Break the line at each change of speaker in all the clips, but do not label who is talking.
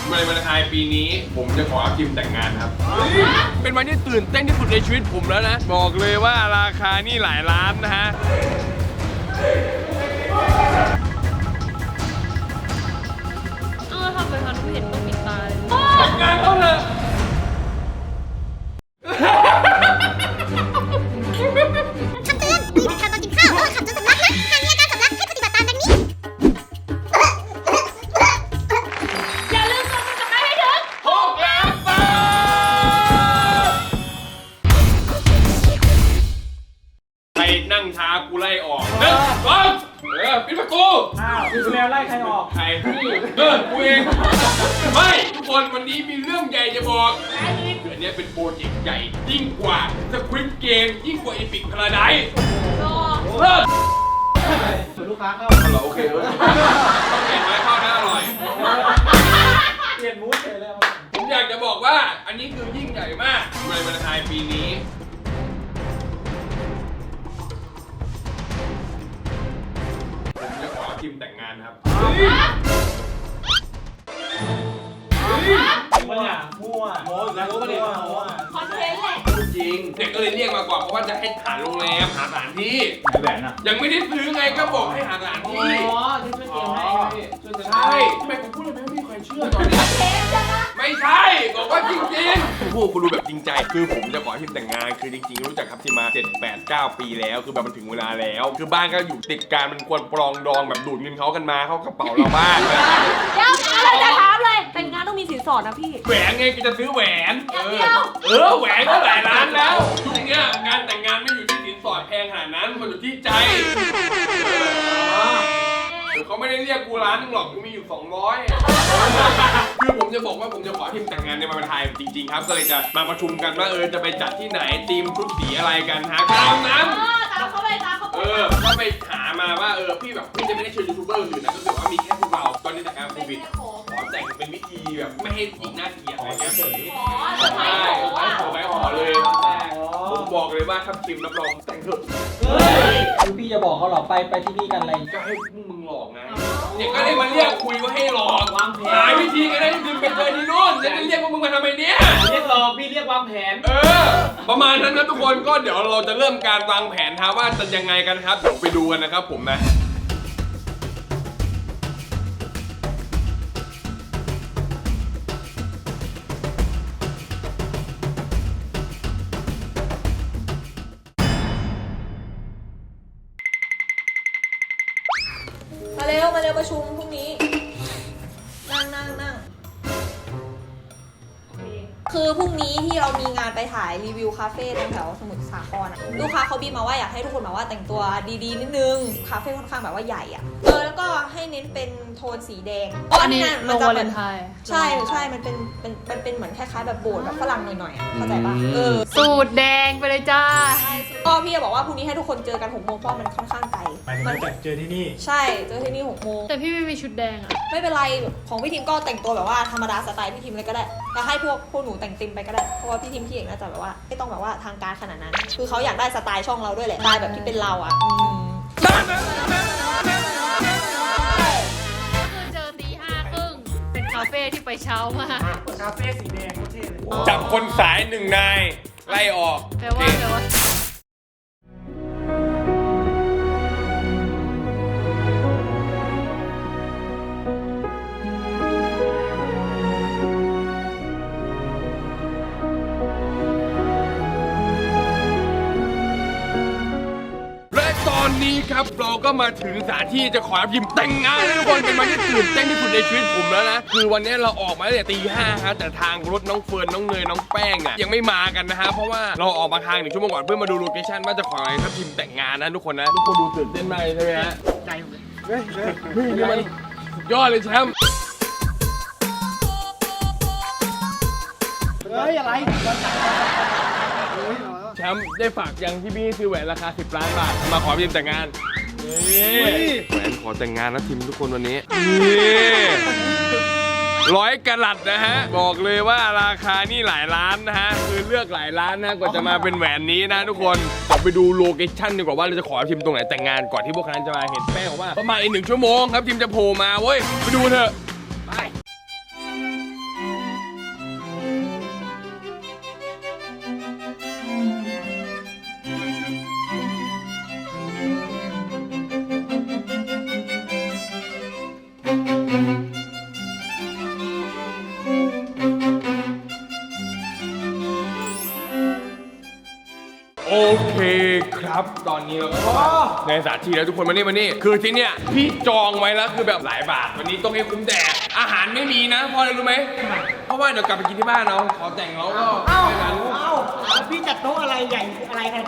ในวันไทยปีนี้ผมจะขอทีมแต่งงานครับเป็นวันที่ตื่นเต้นที่สุดในชีวิตผมแล้วนะบอกเลยว่าราคานี่หลายล้านนะฮะ
ทำไมคะหนูเห็นต้องปิดตาเลย
แต่งงานเขาเลย
คำเตือนมีทางตอนกินข้าวระหว่างขับจนสำลักนะหากมีอาการสำลักให้ปฏิบัติตามดังนี้
อย่าลืมกดติดตามให้ถึง
6 ล้านบาทใครนั่งช้ากูไล่ออกปิดประตู
คุณแมวไล่ใครออก
ใครกูเองไม่ทุกคนวันนี้มีเรื่องใหญ่จะบอกอันนี้เป็นโปรเจกต์ใหญ่ยิ่งกว่าสควิดเกมยิ่งกว่าอีพิกพาราไดซ์เลิศ
ส่วนลูกค้าเข้า
โอเคต้องเห็นไหมข้าวหน้าอร่อย
เปลี่ยนมูดเลยแล้ว
ผมอยากจะบอกว่าอันนี้คือยิ่งใหญ่มากในวันไทยปีนี้ผมจะขอทีมแต่งงานครับ
มั่วแล้วก็เรียกมั่ว
คอนเทนต์แหละ
จริงเด็กก็เลยเรียกมาก่อนเพราะว่าจะให้หาโรงแรมหาสถานที่
แหวนอ่ะ
ยังไม่ได้ซื้อไงก็บอกให้หาสถานที่
ที่ช่วยเตรียมให้ช่วยจะ
ใช่ทำไมผมพูดเลยไม่มีใครเชื่อตอนนี้ไม่ใช่บอกว่าจริงๆพูดคุณรู้แบบจริงใจคือผมจะขอทีมแต่งงานคือจริงๆรู้จักครับทีมมา7 8 9 ปีแล้วคือแบบมันถึงเวลาแล้วคือบ้านก็อยู่ติดกันมันควรปรองดองแบบดูดเงินเขากันมาเข้ากระเป๋าเราบ้าง
เดี๋ยวอะไรจะถามเลย แต่งงานต้องมีสินสอดนะพี่
แหวนไงก็จะซื้อแหวน
เดี๋ยว
แหวนก็หลายล้านแล้วยุคเนี้ยการแต่งงานไม่อยู่ที่สินสอดแพงขนาดนั้นมันอยู่ที่ใจเขาไม่ได้เรียกกูร้านนึงหรอกกูมีอยู่200คือผมจะบอกว่าผมจะขอทีมแต่งงานในวันไทยจริงๆครับก็เลยจะมาประชุมกันว่าจะไปจัดที่ไหนธีมชุดสีอะไรกันฮะตามนั้น
ตามเขาไปตามเขาไป
ก็ไปหามาว่าพี่แบบพี่จะไม่ได้เชิญยูทูบเบอร์อื่นนะก็คือว่ามีแค่พวกเราตอนนี้แต่งงานโควิดขอแต่งเป็นวิธีแบบไม่ให้อีกหน้าเกลียดอะไรเงี้ยเฉย
อ๋อจะไปขอ
ไปขอเลยผมบอกเลยว่าถ้าทีมรับรองแต่งเถอะ
คือพี่จะบอกเขาหรอไปที่นี่กันอะไร
ก็ให้พวกมึงหลอกไงเนี่ยก็เลยมาเรียกคุยว่าให้หลอกหาวิธีกันได้ทีมไปเจอที่นู่นจะเรียกพวกมึงมาทำไมเนี่ย
เรียกหลอกพี่เรียกวางแผน
ประมาณนั้นนะทุกคนก็เดี๋ยวเราจะเริ่มการวางแผนครับว่าจะยังไงกันครับเดี๋ยวไปดูกันนะครับผมนะ
มาเร็วประชุมพรุ่งนี้ นั่งคือพรุ่งนี้ที่เรามีงานไปถ่ายรีวิวคาเฟ่ตรงแถวสมุทรสาครอะลูกค้าเขาบีบมาว่าอยากให้ทุกคนแบบว่าแต่งตัวดีๆนิดนึงคาเฟ่ค่อนข้างแบบว่าใหญ่อะแล้วก็ให้เน้นเป็นโทนสีแดงอันนี้มันจะเป็นใช่มันเป็นเหมือนคล้ายๆแบบโบสถ์แบบฝรั่งหน่อยๆอะเข้าใจปะ
สูตรแดงไปเลยจ้า
ก็พี่จะบอกว่าพรุ่งนี้ให้ทุกคนเจอกัน6 โมงเพราะมันค่อนข้างไกล
มันเจอที่นี่
ใช่เจอที่นี่6 โมง
แต่พี่ไม่มีชุดแดงอะ
ไม่เป็นไรของพี่ทีมก็แต่งตัวแบบว่าธรรมดาสไตล์พี่ทีมเลยก็ได้แล้วให้พวกหนูแต่งติมไปก็ได้เพราะว่าพี่ทีมพี่เอกน่าจะแบบว่าไม่ต้องแบบว่าทางการขนาดนั้นคือเขาอยากได้สไตล์ช่องเราด้วยแหละสไตล์แบบที่เป็นเราอ่ะ
คือเจอตี 5 ครึ่งเป็นคาเฟ่ที่ไปเช้ามาก
คาเฟ่สีแดงโคตรเท่เลย
จับคนสาย1 นายไล่ออก
แปลว่า
ตอนนี้ครับเราก็มาถึงสถานที่จะขอรับยิมแต่งงานทุกคนเป็นวันที่ตื่นเต้นที่สุดในชีวิตผมแล้วนะคือวันนี้เราออกมาตั้งแต่ตี 5ครับแต่ทางรถน้องเฟิร์นน้องเนยน้องแป้งอ่ะยังไม่มากันนะฮะเพราะว่าเราออกมาทาง1 ชั่วโมงก่อนเพื่อมาดูโลเคชั่นว่าจะขออะไรทัพทีมแต่งงานนะทุกคนนะทุกคนดูตื่นเต้นมากใช่ไหมฮะใจผมเลยนี่มันยอดเลยแชมป์
อะไร
แชมป์ได้ฝากยังที่พี่ซื้อแหวนราคา10 ล้านบาทมาขอทีมแต่งงานนี่แหวนขอแต่งงานนะทีมทุกคนวันนี้นี่100 กะรัตนะฮะบอกเลยว่าราคานี่หลายล้านนะฮะคือเลือกหลายล้านนะกว่าจะมาเป็นแหวนนี้นะทุกคนเดี๋ยวไปดูโลเคชั่นดีกว่าว่าเราจะขอทีมตรงไหนแต่งงานก่อนที่พวกนั้นจะมาเห็นแป้งบอกว่าประมาณอีก1 ชั่วโมงครับทีมจะโผล่มาเว้ยไปดูเถอะไปครับตอนนี้เราก็ในสถานที่แล้วทุกคนมานี่คือที่เนี้ยพี่จองไว้แล้วคือแบบหลายบาทวันนี้ต้องให้คุ้มแดดอาหารไม่มีนะเพราะอะไรรู้ไหมเพราะว่าเดี๋ยวกลับไปกินที่บ้านเราขอแต่งแล้วก็ไปงานลูก
พี่จัดโต๊ะอะไรใหญ่อะไรกัน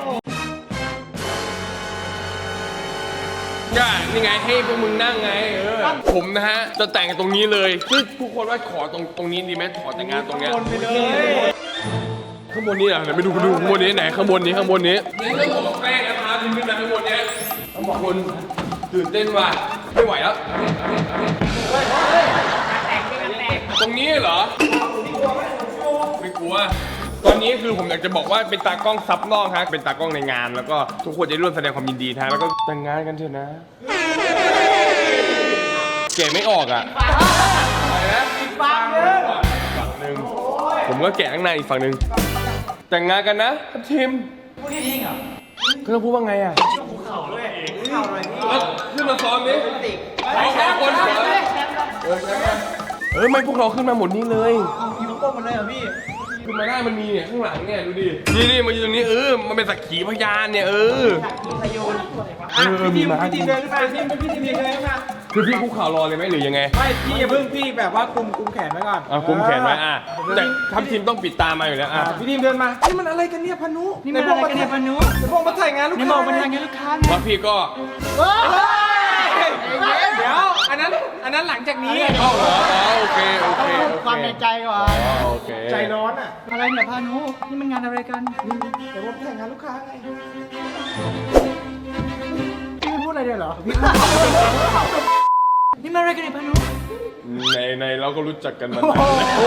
ก็นี่ไงให้พวกมึงนั่งไงผมนะฮะจะแต่งตรงนี้เลยซึ่งทุกคนว่าขอตรงนี้ดีไหมขอแต่งงานตรงเนี้ย
ไปเลย
ข้างบนนี้นะเดี๋ยวไปดูข้างบนนี้ไหนข้างบนนี้นี่ต้องบอกแป้งนะครับขึ้นมาข้างบนเนี้ยต้องบอกคนตื่นเต้นว่ะไม่ไหวแล้วตรงนี้เหรอไม่กลัวตอนนี้คือผมอยากจะบอกว่าเป็นตากล้องซับนอกครับเป็นตากล้องในงานแล้วก็ทุกคนจะร่วมแสดงความยินดีนะแล้วก็แต่งงานกันเถอะนะเก๋ไม่ออกอ่ะอะไรนะฝั่งหนึ่งผมก็แกะข้างในอีกฝั่งหนึ่งแต่งงานกันนะทีมพูดจริงเหรอเขาพูดว่าไงอ่ะขึ้นมาซ้อมดิเอาแค่คนไม่พวกเราขึ้นมาหมดนี่เลย
มีลูกโป่งมันเลยเหรอพี่
ขึ้นมาได้มันมีเนี่ยข้างหลังเนี่ยดูดินี่มาอยู่ตรงนี้มันเป็นสักขีพยานเนี่ยมีมา
พี่ทีมเดินขึ้นมาพี่ทีมเดินขึ้นมา
คือพี่คุกเข่ารอเลยไหมหรือยังไง
ไม่พี่อย่าเพิ่งพี่แบบว่าคุมแขนไว้ก่อน
คุมแขนไว้แต่ทัพทีมต้องปิดตามาอยู่แล้ว
พี่ทีมเดินมานี่มันอะไรกันเนี่ยพานุนี่มันอะไรกันเนี่ยพานุในพวกมาถ่ายงานลูกค้าในพวกมาถ่ายงานลูกค้าไง
แล้วพี่ก็
เดี๋ยวอันนั้นหลังจากนี้
เข้าเหรอโอเค
ความในใจก่อน
โอเค
ใจร้อนอ่ะอะไรเนี่ยพานุนี่มันงานอะไรกันเดี๋ยวผมถ่ายงานลูกค้าไงพี่ไม่พูดอะไรเลยเหรอพี่นี่มันอะไรกันเนี่ยพานุ
ในเราก็รู้จักกันมานาน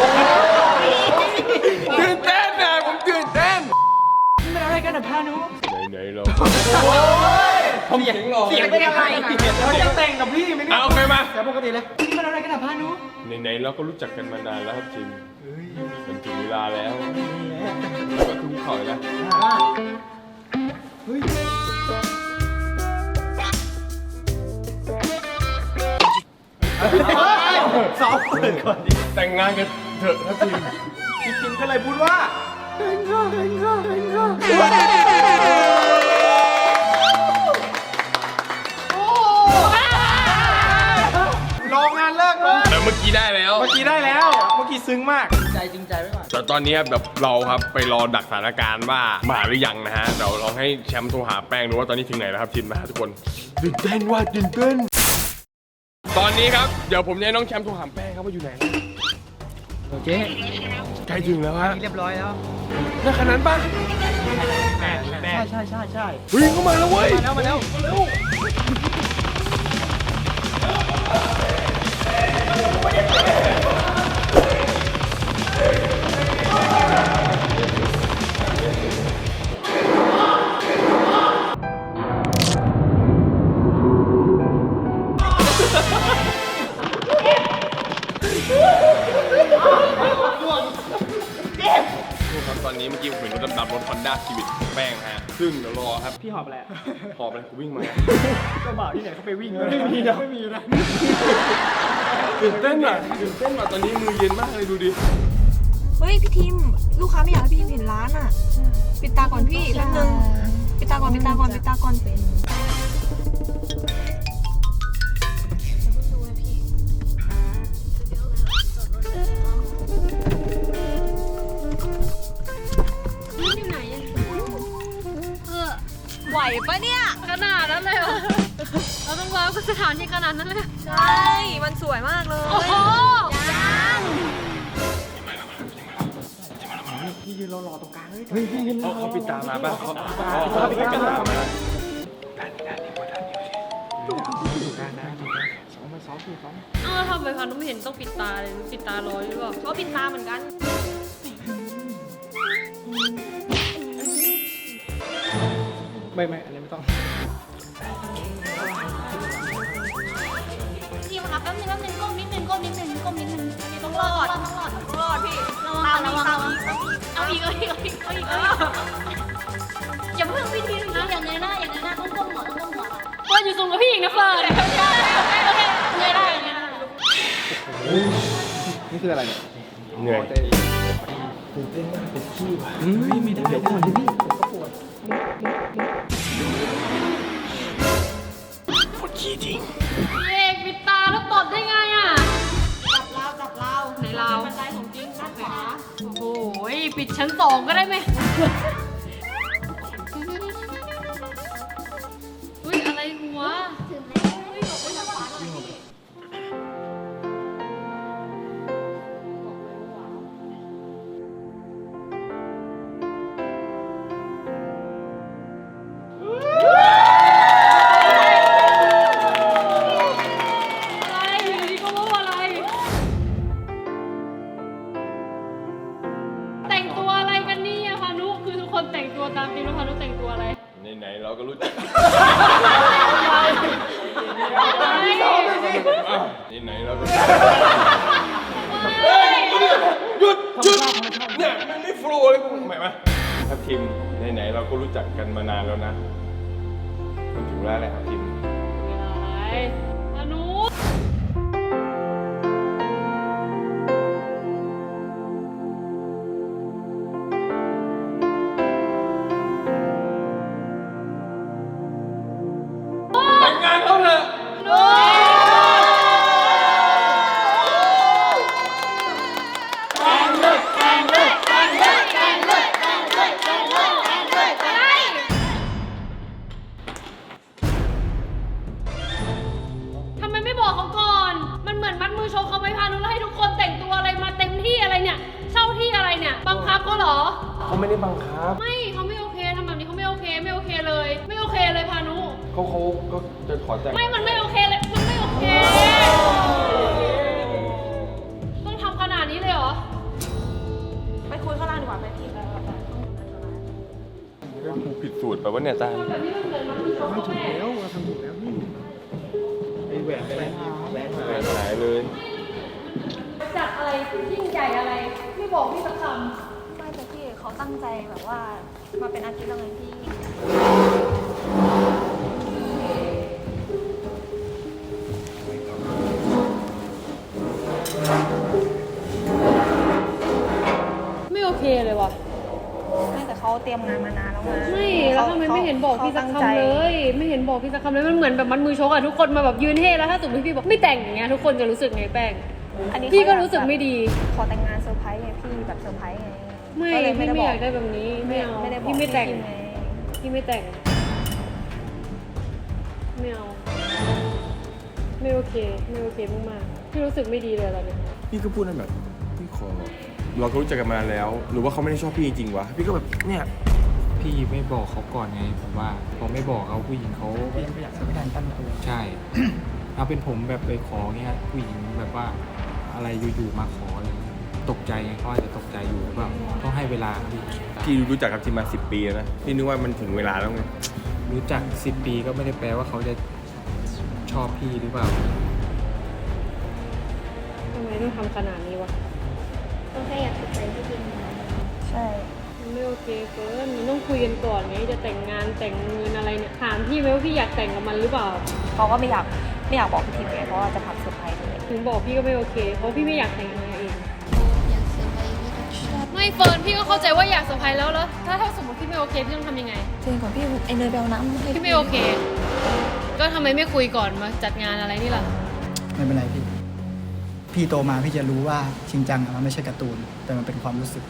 ตื่นเต้นนะผมตื่นเต้น
นี่มันอะไรกันเนี่ยพานุ
ในเราทำเสียงหล่อ
เสียงเป็นอะไรเขาจะแต่งกับพี่ไหมเนี่ย
โอเคมา
แต่ปกติเลยนี่มันอะไรกันเนี่ยพานุ
ในเราก็รู้จักกันมานานแล้วครับทีมมันถึงเวลาแล้วแล้วก็คุกเข่าเลยนะ
เฮ้ยซ้อมเปิดก่อนดิ
แต่งงานกันเถอะครับทีม
พี่คิมก็เลยพูดว่ารองานเลิกเลย
แต่เมื่อกี้ได้แล้ว
เมื่อกี้ได้แล้ว เมื่อกี้ซึ้งมากใจจริงใจไว้ก่อน
แต่ตอนนี้แบบเราครับไปรอดักสถานการณ์ว่ามาหรือยังนะฮะเดี๋ยวลองให้แชมป์โทรหาแป้งดูว่าตอนนี้ถึงไหนแล้วครับทีมนะฮะทุกคนตื่นเต้นว่าตื่นเต้นตอนนี้ครับเดี๋ยวผมจะให้น้องแชมป์โทรหาแป้งครับว่าอยู่ไหน
โอเค
ใกล้ถึงแล้วฮะ
เรียบร้อยแล้ว
น่าขนาดนั้นปะ
ใช่
เฮ้ยเข้ามาแล้วเว้ย
มาแล้วเร็ว
ครับตอนนี้เมื่อกี้ผมเห็นรถดำๆรถ Honda Civic แป้งฮะซึ่งเดี๋ยวรอครับ
พี่หอบอะไร
หอบไปกูวิ่งมา
ก็บ่าวที่ไหนเขาไปวิ่งไม่มีนะ
ตื่นเต้นว่ะตอนนี้มือเย็นมากเลยดูดิ
เฮ้ยพี่ทีมลูกค้าไม่อยากให้พี่ทีมเห็นร้านอ่ะปิดตาก่อนพี่แป๊บนึงปิดตาก่อนเป็นไหวปะเนี่ย
ขนาดนั้นเลยเหรอเราต้องว้าวกับสถานที่ขนาดนั้นเลย
ใช่มันสวยมากเลย
โอ้โห
พี่ยืนรอตรงกลางเลย
เขาปิดตามาป่ะเขาปิดตามา
ทำไมพันธุ์ไม่เห็นต้องปิดตาเลยปิดตารอหรือเปล่า
ก็ปิดตาเหมือนกัน
ไม่อะไรไม่ต้อง
ทีมครับแป๊บนึงก้มนิดนึง
ต้องรอดพี่
เอาอีกอย่าเพิ่งพี่ทีมอย่างเงยหน้าต้องก้มหัว
เฟิร์นอยู่สูงกว่าพี่อีกนะเฟิร์น
เงยได้
นี่คืออะไรเนี่ย
เหนื่อย
ไม่ได้เดี๋ยวก่อนดิพี่ผมก็ปวด
จริง
พี่เอกปิดตาแล้วตดได้ไงอ่ะ
จับเรา
ไหนเรา
บันไดของจริงด้านขวา
โอ้โหปิดชั้น2ก็ได้ไหมอุ้ยอะไรหัว อะไรอยู่ดีก็ว่าอะไร แต่งตัวอะไรกันเนี่ยพานุคือทุกคนแต่งตัวตามจริงแล้วพานุแต่งตัวอะไร
ไหนๆเราก็รู้จัก
อะไร
ไหนๆเราก็เฮ้ยหยุดเนี่ยมันไม่โฟล์เลยกูหมายไหมครับทีมไหนๆเราก็รู้จักกันมานานแล้วนะมันถึงแล้วแหละครับทีม
อะไรพานุ
แต่งงานเขาเถอะ
ทำไมไม่บอกเขาก่อน มันเหมือนมัดมือโชว์เขาไว้พานุแล้วให้ทุกคนแต่งตัวอะไรมาเต็มที่อะไรเนี่ย เช่าที่อะไรเนี่ย บังคับเขาเหรอ
เขาไม่ได้บังคับ
ไม่เขาไม่โอเคทำแบบนี้เขาไม่โอเค ไม่โอเคเลย ไม่โอเคเลยพานุ
เขาก็จะขอแต่ง
ไม่ มันไม่โอเคเลย มันไม่โอเค ต้องทำขนาดนี้เลยเหรอ
ไปคุยข้างล่างดีกว่าไปพี่
กูผิดสูตรแบบว่าเนี่ยตา
แบบนี้มันเหมือนมัดมือโชว์เขาแม่
แล้วเราทำถูกแล้วนี่ไอ้แหวนไปไหนแหวนหาย
หายเลย
จัดอะไรยิ่งใหญ่อะไร ไม่บอกพี่สักค
ไม่แต่พี่เขาตั้งใจแบบว่ามาเป็นอาทิตย์แล้วไงพี่
ำไม่โอเคเลยว่ะ
ไม่แต่เขาเตรียมงานมานานแล้วไง
ไม่แล้วทำไมไม่เห็นบอกพี่สักคำเลย ไม่เห็นบอกพี่สักคำเลย มันเหมือนแบบมัดมือชกอะทุกคนมาแบบยืนเท่แล้วถ้าสมมติพี่บอกไม่แต่งอย่างเงี้ยทุกคนจะรู้สึกไงแป้ง
อันนี้
พี่ก็รู้สึกไม่ดี
ขอแต่งงานเซอร์ไพรส์ไงพี่แบบเซอร์ไพรส์ไง
ไม่
ก็เลย
พี่ไม่
บ
อยากได้แบบนี้ ไม่เอา
ไม่ได้บอก
พี่ไม่แต่ง
ไง
พี่ไม่แต่ง ไม่เอา ไม่โอเค ไม่โอเคมากๆพี่รู้สึกไม่ดีเลยตอนนี้
พี่ก็พูดนั่นแบบพี่ขอเราก็รู้จักกันมานานแล้ว หรือว่าเขาไม่ได้ชอบพี่จริงๆวะพี่ก็แบบเนี่ย
พี่ไม่บอกเขาก่อนไงผมว่าพอไม่บอกเขาผู้หญิงเขา
ก็ยังไม่อยากจะไม่ทันตั้งตัว
ใช่ เอาเป็นผมแบบไปขอเงี้ยผู้หญิงแบบว่าอะไรอยู่ๆมาขออะไรเงี้ยตกใจไงเขาอาจจะตกใจอยู่หรือเปล่าต้องให้เวลาพี่
พี่รู้จักกับทีมมา10 ปีแล้วนะพี่นึกว่ามันถึงเวลาแล้วไง
รู้จัก10 ปีก็ไม่ได้แปลว่าเขาจะชอบพี่หรือเปล่า
ทำไมต้องทำขนาดนี้วะ
ก็แค่อยากติดใจพี่จริง
ใช่
มันไม่โอเคเกินมันต้องคุยกันก่อนไงจะแต่งงานแต่งเงินอะไรเนี่ย ถามพี่ไหมว่าพี่อยากแต่งกับมันหรือเปล่า
เขาก็ไม่อยากบอกพี่ทีมไงเพราะว่าจะทำเซอร์ไพรส์เลย
ถึงบอกพี่ก็ไม่โอเค เพราะพี่ไม่อยากแต่งงานเอง
อยากเซอร์ไพรส์พี่ต้องชอบ
ไม่เฟิร์นพี่ก็เข้าใจว่าอยากเซอร์ไพรส์แล้วถ้าสมมติพี่ไม่โอเคพี่ต้องทำยังไง
จริงก่อนพี่ไอเนยไปเอาน้ำให้
พี่ไม่โอเค ก็ทำไมไม่คุยก่อนมาจัดงานอะไรนี่ล่ะ
ไม่เป็นไรพี่ พี่โตมาพี่จะรู้ว่าชิงจังอะมันไม่ใช่การ์ตูน แต่มันเป็นความรู้สึก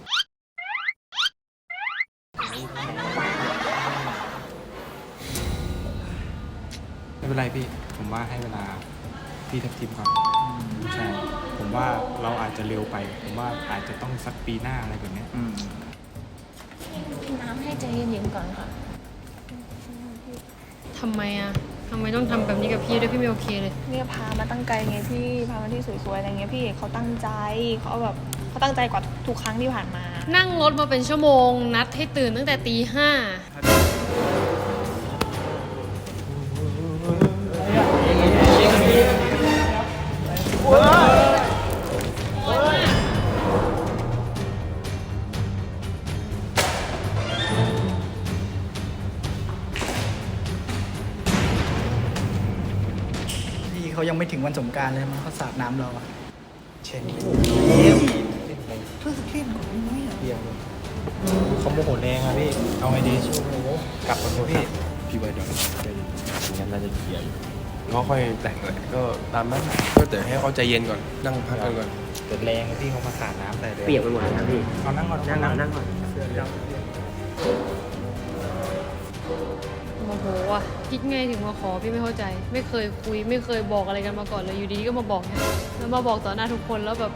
ไม่เป็นไรพี่ ผมว่าให้เวลาพี่ทับทิมก่อนใช่ ผมว่าเราอาจจะเร็วไป ผมว่าอาจจะต้องสักปีหน้าอะไรแบบเนี้ย
กินน้ำให้ใจเย็นๆก่อนค่ะ
ทำไมอ่ะทำไมต้องทำแบบนี้กับพี่ด้วยพี่ไม่โอเคเลย
เนี่ยพามาตั้งไกลไงพี่พามาที่สวยๆอะไรเงี้ยพี่เขาตั้งใจเขาตั้งใจกว่าทุกครั้งที่ผ่านมา
นั่งรถมาเป็นชั่วโมง นัดให้ตื่นตั้งแต่ตี 5
พี่เขายังไม่ถึงวันสงกรารเลยมันเขาสาดน้ำเราอะเช่นเพื่อเล่นของน้อยอะ
เพียงเขาโมโหแรงอะพี่ เอาไงดีกลับก่อนเถอะพี่
พี่ไว้เดี๋ยวงั้นน่าจะเคลียร์อยู่ก็ค่อยแต่งเลยก็ตามนั้นก็แต่ให้เขาใจเย็นก่อนนั่งพักกันก่อน
เกิดแรงพี่เขามาสาดน้ำใส่เลย
เปียกไปหมดเลยนะพี่
เอานั่งก่อน
นั่งก่อน
โมโหอ่ะคิดไงถึงมาขอพี่ไม่เข้าใจ ไม่เคยคุยไม่เคยบอกอะไรกันมาก่อนเลยอยู่ดีๆก็มาบอกเนี่ยแล้วมาบอกต่อหน้าทุกคนแล้วแบบ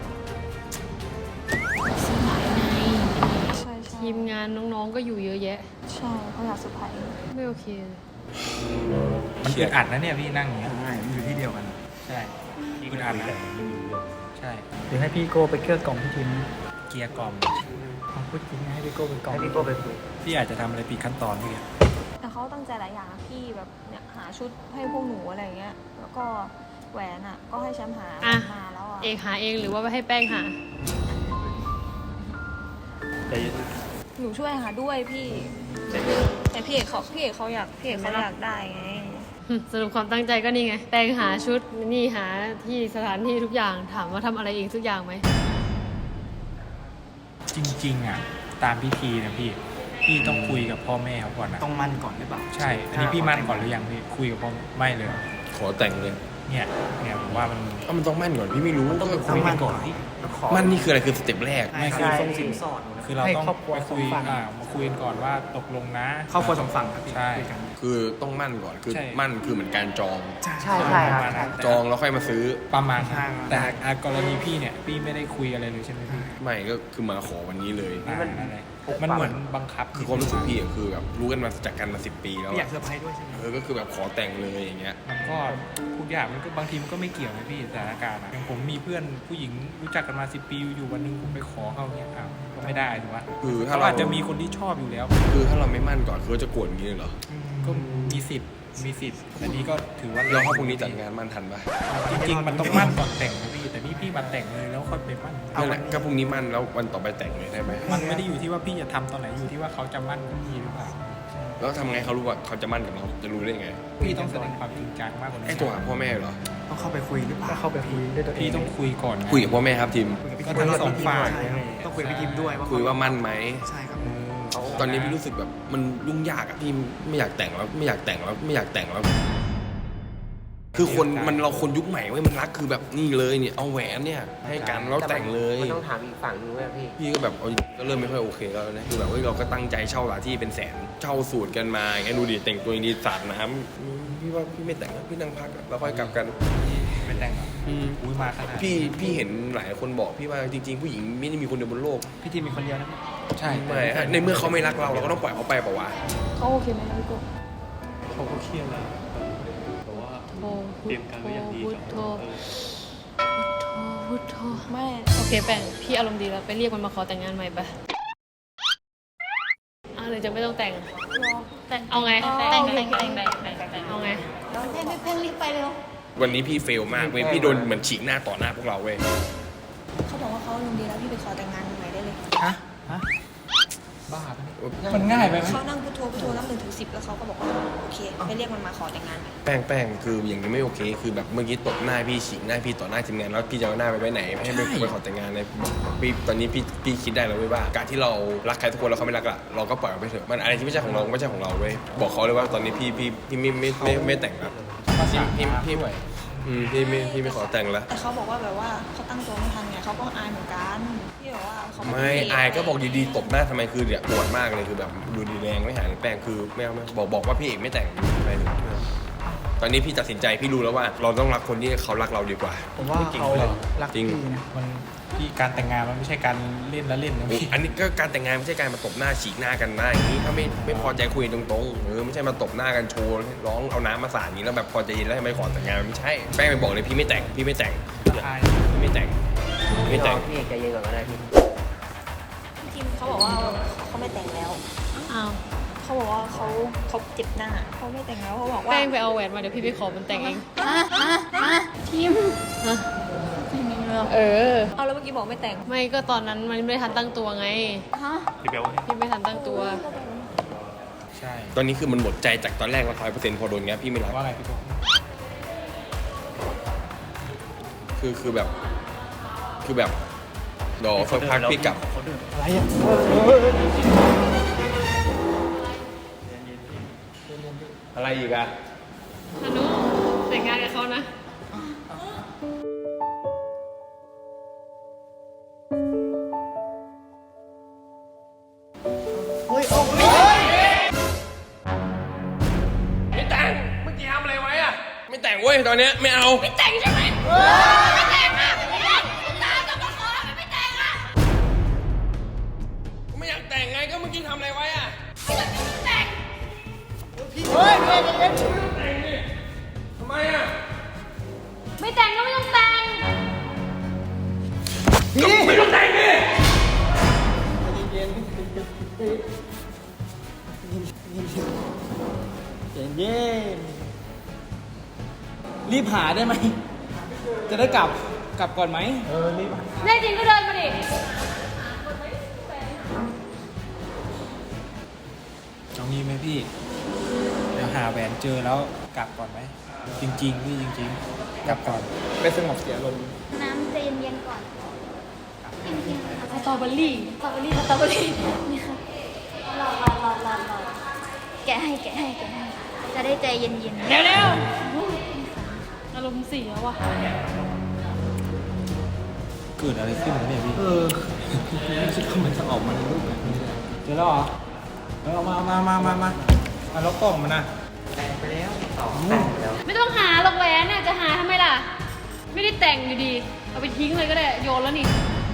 ใช่ใช่
ทีมงานน้องๆก็อยู่เยอะแยะ
ใช่เขาอยากเซอร์ไพรส์
ไม่โอเคเลย
มันอึดอัดนะเนี่ยพี่นั่งอย่างเงี้ย
ใช่มันอยู่ที่เดียวกัน
ใช่อึดอัดนะใช่
เดี๋ยวให้พี่โก้ไปเกลี้ยกล่อมพี่ทิม
เกียร์กล่อม
เอาพูดจริงให้พี่โก้ไปกล่อม
ให้พี่โก้ไปคุย
พี่อาจจะทำอะไรผิดขั้นตอนพี่
แต่เขาตั้งใจหลายอย่างนะพี่แบบเนี่ยหาชุดให้พวกหนูอะไรอย่างเงี้ยแล้วก็แหวนอ่ะก็ให้แชมป์หา
อ่ะ
มาแล้วอ่ะ
เอกหาเองหรือว่าให้แป้งหา
หนูช่วยหาด้วยพี่ แต่พี่เอกเขาอยากได้ไง
สรุปความตั้งใจก็นี่ไง แป้งหาชุดนี่หาที่สถานที่ทุกอย่างถามว่าทำอะไรเองทุกอย่างไหม
จริงๆอ่ะตามพิธีนะพี่ต้องคุยกับพ่อแม่เขาก่อนนะ
ต้องมั่นก่อนหรือเปล่า
ใช่ อันนี้พี่มั่นก่อนหรือยังพี่คุยกับพ่อไม่เลย
ขอแต่งเลย
เนี่ยผมว่ามัน
มันต้องมั่นก่อนพี่ไม่รู้
ต้อง
ต้องมั่นก่อน
ต้องขอ
มั่นนี่คืออะไรคือสเต็ปแรก
ไม่คือ
ใช่
ส่งสินสอด
คือเราต้อง
ให้ครอบครัว
ไปคุย
สองฝั่ง
มาคุยกันก่อนว่าตกลงนะ
ครอบครัวสองฝั่งครับพี่
ใช่
คุยกัน
คือต้องมั่นก่อนคือ
ใช่
มั่นคือเหมือนการจอง
ใช่ใช่ครับใช่
จองแล้วค่อยมาซื้อ
ประมาณนั้นแต่กรณีพี่เนี่ยพี่ไม่ได้คุยอะไรเลยใช่ไหมพี่
ไม่ก็คือมาขอวันนี้เลย
นั่นแหละมันเหมือนบังคับ
คือความรู้สึกพี่อะคือแบบรู้กันมาจากกันมา10 ปีแล้ว
พี่อยา
อะ
กเซอร์ไพรส์ด้วยใช่ไหม
ก็คือแบบขอแต่งเลยอย่างเงี้ย
มันก็ทุกอย่างมันก็บางทีมันก็ไม่เกี่ยวนะพี่สถานการณ์อะอย่างผมมีเพื่อนผู้หญิงรู้จักกันมา10 ปีอยู่วันหนึงผมไปขอเขาเนี่ยอ้าวก็ไม่ได้ถูกปะ
คือถ้า
เขา
เรา
อาจจะมีคนที่ชอบอยู่แล้ว
คือถ้าเราไม่มั่นก่อนคือจะโกรธอย่างนี้เลยเหรอ
ก็มีสิทธิ์อันนี้ก็ถือว่า
เราถ้าพรุ่งนี้จัดงานมั่นทันปะ
จริงๆมันต้องมั่นก่อนแต่งนะพี่แต่นี่พี่มาแต่งเลยแล้วค่อยไปมั่น
นั่นแหละก็พรุ่งนี้มั่นแล้ววันต่อไปแต่งเลยได้ไหม
มันไม่ได้อยู่ที่ว่าพี่จะทำตอนไหนอยู่ที่ว่าเขาจะมั่นกับพี่หรือเปล่า
แล้วทำไงเขารู้ว่าเขาจะมั่นกับเราจะรู้ได้ไง
พี่ต้องแสดงความจริงจังมากกว่านี้
ให้โทรหาพ่อแม่เหรอ
ต้องเข้าไปคุยหรือเปล่าเข้าไปคุยด้วยตัวเอง
พี่ต้องคุยก่อนนะ
คุยกับพ่อแม่ครับทีม
ก็ทั้งสองฝ่าย
ต้องคุยกับพี่ทิมด้วยว่า
คุยว่ามั่นไหม
ใช่ครับ
ตอนนี้พี่รู้สึกแบบมันยุ่งยากอะพี่ไม่อยากแต่งแล้วไม่อยากแต่งแล้วไม่อยากแต่งแล้ว คือคนมันเราคนยุคใหม่เว้ยมันรักคือแบบนี่เลยเนี่ยเอาแหวนเนี่ยให้กันแล้วแต่งเลย
มันต้องถามอีกฝั่งนึงว่าพี่
พี่ก็แบบเอาก็เริ่มไม่ค่อยโอเคแล้วนะคือแบบเฮ้ยเราก็ตั้งใจเช่าหลายที่เป็นแสนเช่าสูตรกันมาไงดูดิแต่งตัวดีสาดน้ำพี่ว่าพี่ไม่แต่งแล้วพี่นั่งพักอะแล้วค่อยกลับกัน
ไม่แต่งหรออุ้ยมาขนาด
พี่เห็นหลายคนบอกพี่ว่าจริงๆ ผู้หญิงไม่ได้มีคนเดียวบนโลก
พี่ทีมมีคนเดียวนะใช่
ไม่ฮะในเมื่อเขาไม่รักเราเราก็ต้องปล่อยเขาไปเปล่าวะ
เขาโอเคไหมคะพี่โก้
เขาก็เครียดแล้วแต่ว่า
โอ้
เตรียมการไว้อย่างดี
พุทโธพุทโธ
ไม่
โอเคแป้งพี่อารมณ์ดีแล้วไปเรียกมันมาขอแต่งงานใหม่ปะหรือจะไม่ต้องแต่งแต่งเอาไงแต่งเอาไง
เพ่งรีบไปเร็ว
วันนี้พี่เฟลมากเว้ยพี่โดนเหมือนฉีกหน้าต่อหน้าพวกเราเว้ย
เขาบอกว่าเขาอารมณ์ดีแล้วพี่ไปขอแต่งงานใหม่ได้เลย
ฮะบ้าปะเนี่ยมันง่ายไปไหม
เขานั่งพุทโธนับ1 ถึง 10แล้วเขาก็บอกว่าโอเคไปเรียกมันมาขอแต่งงานใหม่
แป้งคืออย่างนี้ไม่โอเค คือแบบเมื่อกี้ตบหน้าพี่ฉีกหน้าพี่ต่อหน้าทีมงานแล้วพี่จะเอาหน้าไปไว้ไหนไม่ให้ไปขอแต่งงานเลยพี่ตอนนี้พี่คิดได้แล้วเว้ยว่าการที่เรารักใครทุกคนแล้วเขาไม่รักอะเราก็ปล่อยเขาไปเถอะมันอะไรที่ไม่ใช่ของเราไม่ใช่ของเราเว้ยบอกเขาเลยว่าตอนนี้พี่ไม่แต่งแล้ว
ภาษา
พี่
ด้วย
พี่ไม่ขอแต่งแล้ว
แต่เขาบอกว่าแบบว่าเขาตั้งตัวไม่ทันไงเขาก็อายเหมือนกันพี่บอกว่าเขา
ไม่อายก็บอกดีๆตบหน้าทำไมคือเนี่ยปวดมากเลยคือแบบดูดีแรงไม่หายแป้งคือไม่เอาบอกว่าพี่เอกไม่แต่งอะไรเลยตอนนี้พี่ตัดสินใจพี่รู้แล้วว่า เราต้องรักคนที่เขารักเราดีกว่า
ผมว่าเขารัก
จริง
พี่นะ
มันที่การแต่งงานมันไม่ใช่การเล่นแล้วเล่นนะพี่
อันนี้ก็การแต่งงานไม่ใช่การมาตบหน้าฉีกหน้ากันหน้าอย่างนี้ถ้าไม่พอใจคุยตรงๆไม่ใช่มาตบหน้ากันโชว์ร้องเอาน้ำมาสาดอย่างนี้แล้วแบบพอใจเย็นแล้วทำไมขอแต่งงานมันไม่ใช่แป้งไปบอกเลยพี่ไม่แต่งพี่ไม่แต่งไม่แต่ง
พี่รอพี่เอกใจเย็นก่อนก็ได้พี่
พี่ทิมเขาบอกว่าเขาไม่แต่งแล้ว
อ้าว
เขาบอกว่าเขาเจ็บหน้าเขาไม่แต่งแล้วเขาบอกว่า
แป้งไปเอาแหวนมาเดี๋ยวพี่ไปขอมันแต่งเองทีมเออ
เอาแล้วเมื่อกี้บอกไม่แต่ง
ไม่ก็ตอนนั้นมันไม่ทันตั้งตัวไง
พี่เบล
พี่ไม่ทันตั้งตัว
ใช่
ตอนนี้คือมันหมดใจจากตอนแรกเรา100%พอโดนเงี้ยพี่ไม่รับ
ว่าไงพี่โก้
คือแบบเดี๋ยวสักพักพี่กลับ
อะไรอ่ะ
อะไรอีกอะ
อนุแต่งงานกับเขานะ
ไม่แต่งเมื่อกี้ทำอะไรไว้อะไม่แต่งเว้ยตอนเนี้ยไม่เอาไม่แต่งใช่ไหมไม่แต่งอะตามจะมาขอไม่แต่งอะไม่อยากแต่งไงก็เมื่อกี้ทำอะไรไว้อะทำไมอะ
ไม่แต่งก็ไม่ต้องแต่ง
ไม่ต้องแต่งดิ
เย็นรีบหาได้ไหม จะได้กลับก่อนไหมรีบ
แน่จริงก็เดินมาดิ
เอางี้ไหมพี่ เดี๋ยวหาแหวนเจอแล้วกลับก่อนไหม จริงๆพี่จริงๆ กลับก่อน
ไปสงบเสียลมณ์
น้ำใจเย็นๆก่อนเย็นๆ
สตรอเบอรี่
นี่ค่ะรอแกะให้จะได้ใจเย็น
เร็วๆอารมณ์เสียว่ะ
เกิดอะไรขึ้นเนี่ยพี่
ไม่คิดว่ามันจะออกมาในรูปแบบนี้เลย
เจอแล้วเหรอเอามาแล้วกล่องมันนะ
แต่งไปแล้วแต่งไปแล้ว
ไม่ต้องหาหรอกแหวนน่ะจะหาทำไมล่ะ ไม่ได้แต่งอยู่ดี เอาไปทิ้งเลยก็ได้ โยนแล้วนี่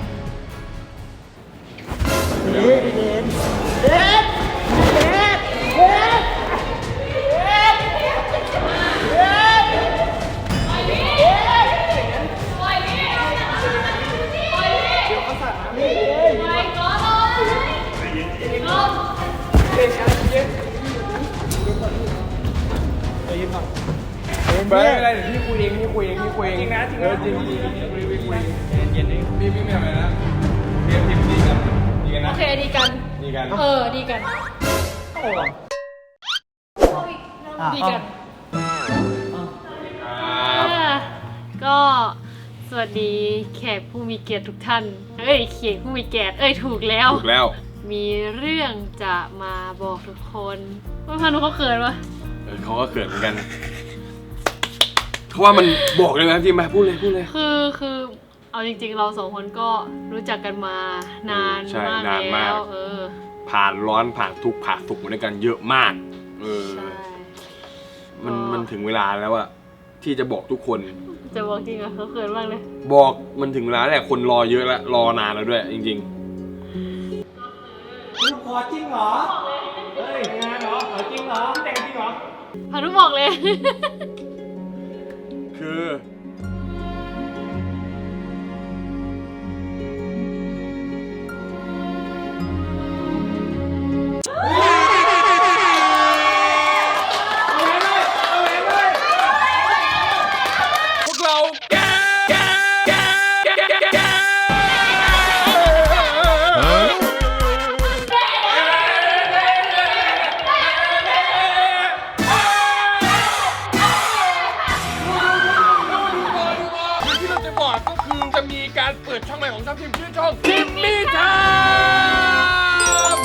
ไม่อะไรเดี๋ยวพี่คุยเองจริงนะจริงจริงเย็นๆพี่ไม่ทำอะไรนะเรียนทีมดีกันดีกัน
โอ
นะ
เคดีกัน
ดีกัน
ดีกัน ดีกัน ก็สวัสดีแขกผู้มีเกียรติทุกท่าน แขกผู้มีเกียรติถูกแล้ว
ถูกแล้ว
มีเรื่องจะมาบอกทุกคนว่าพานุเขาเขินวะ
เขาก็เขินเหมือนกันเขาว่ามันบอกเลยนะที่มาพูดเลย
คือเอาจริงๆเราสองคนก็รู้จักกันมานาน
ใช่
มาก
นานมาก
แล้ว
ผ่านร้อนผ่านทุกข์ผ่านสุขมาด้วยกันเยอะมาก
ใช่
มันถึงเวลาแล้วอะที่จะบอกทุกคน
จะบอกจริงอะเขาเขินมากเลย
บอกมันถึงเวลาแล้วคนรอเยอะแล้วรอนานแล้วด้วยจริง
ขอจริงเหรอ เฮ้ยงานเหรอขอจริงเหรอแต่งจริงเหรอ
พานุบอกเลย
ๆ คือพวกเราที่เราจะบอกก็คือจะมีการเปิดช่องใหม่ของทัพทีมชื่อช่องทิมมี่ไทม์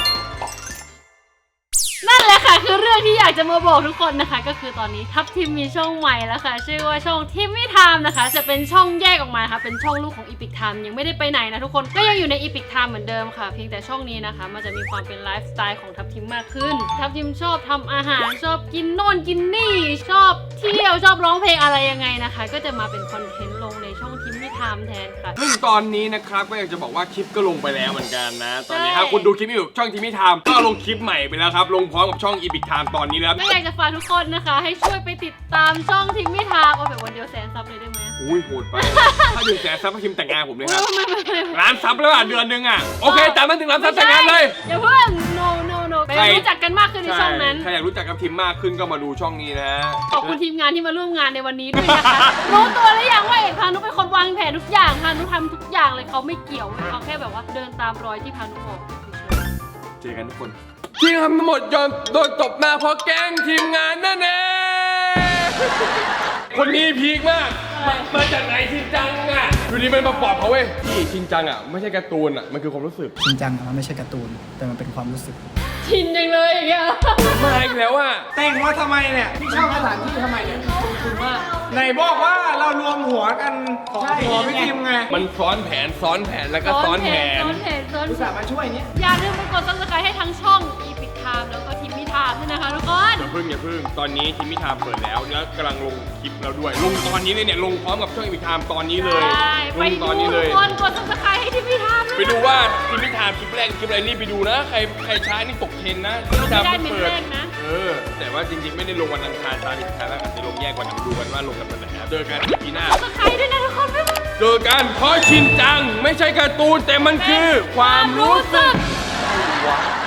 นั่นแหละค่ะคือเรื่องที่อยากจะมาบอกทุกคนนะคะ ก็คือตอนนี้ทัพทีมมีช่องใหม่แล้วค่ะ ชื่อว่าช่องทิมมี่ไทม์นะคะ จะเป็นช่องแยกออกมาค่ะเป็นช่องลูกของอีพิกไทม์ยังไม่ได้ไปไหนนะทุกคนก็ยังอยู่ในอีพิกไทม์เหมือนเดิมค่ะเพียงแต่ช่องนี้นะคะมันจะมีความเป็นไลฟ์สไตล์ของทัพทีมมากขึ้นทัพทีมชอบทำอาหารชอบกินโน่นกินนี่ชอบเที่ยวชอบร้องเพลงอะไรยังไงนะคะ ก็จะมาเป็นคอนเทนต์ลงในช่องทิมมี่ไทม์แทนค่ะ
ซึ่งตอนนี้นะครับก็อยากจะบอกว่าคลิปก็ลงไปแล้วเหมือนกันนะ ตอนนี้
ใช่
ถ้าคุณดูคลิปอยู่ช่องทิมมี่ไทม์ก็ลงคลิปใหม่ไปแล้วครับลงพร้อมกับช่องอีพิกไทม์ตอนนี้แล้ว
ก็อยากจะฝากทุกคนนะคะ ให้ช่วยไปติดตามช่องทิมมี่ไทม์เอาแบบวันเดียวแสนซับเลยได้ไหม
อุ้ยโหดไป ถ้า100,000 ซับทีมแต่งงานผมเลยครับ
ไม่
ล้านซับแล้วอ่ะเดือนนึงอ่ะโอเคแต่มันถึงล้านซับแต่งงานเลย
อย่าเพิ่ง no ไปรู้จักกันมากขึ้นในช่องนั้น
ใครอยากรู้จักกับทีมมากขึ้นก็มาดูช่องนี้นะ
ขอบคุณทีมงานที่มาร่วมงานในวันนี้ด้วยนะคะ รู้ตัวหรือยังว่าเอกพานุเป็นคนวางแผนทุกอย่างพานุทำทุกอย่างเลยเขาไม่เกี่ยวเลยเขาแค่แบบว่าเดินตามรอยที่พานุบอกเฉย
เจอกันทุกคน ที่ทำทั้งหมดยอมโดนตบหน้าเพราะแกล้งทีมงานนั่นเองคนนี้พีคมาก มาจากไหนชินจังอ่ะอยู่ดีมันมาปลอบเขาเว้ยพี่ชินจังอ่ะไม่ใช่การ์ตูนอ่ะมันคือความรู้สึก
จริงจังอะมันไม่ใช่การ์ตูน แต่มันเป็นความรู้สึก
ชินจังเลยอย่างเงี้ย
มาอีกแล้วอ่ะ
แต่งว่าทำไมเนี่ย พี่เช่าสถานที่ทำไมเนี่ย
ถูกมาก
ไหนบอกว่าเรารวมหัวกันขอพี่ทีมไง
มันซ้อนแผนแล้วก็ซ้อนแผน
ซ้อนแผน
อุตส่าห์มาช่วยเนี่ย
อย่าลืมไปกด subscribe ให้ทั้งช่อง Epic Time แล้วก็ทีมมิทามด้วยนะคะทุกคน
อย่าพึ่งตอนนี้ทีมพิธามเปิดแล้วแล้วกำลังลงคลิปแล้วด้วย ลงตอนนี้เลยเนี่ยลงพร้อมกับช่องอีพิธามตอนนี้เลย
ใช่
ล
ไป
งต
ดู
อนนี้เล
ทุ
ย
กคนกด subscribe ให้ทีมมิทาม
ไปดูว่าทีมพิธามคลิปแรกคลิปอะไรรีบไปดูนะ ใครช้านี่ตกเทรนนะทีมพิธาม
ไม่ได้
เพิ่ง
เมน
เปิด
แรกนะ
แต่ว่าจริงๆไม่ได้ลงวันอังคารตามอีพิธามแล้วอาจจะลงแยกวันมาดูกันว่าลงกันวันไหนนะเจอกันปีหน้า
subscribe ด้วยนะทุกคนบ๊ายบาย
เจอกันเพราะชินจังไม่ใช่การ์ตูนแต่มันคือความรู้สึก
ก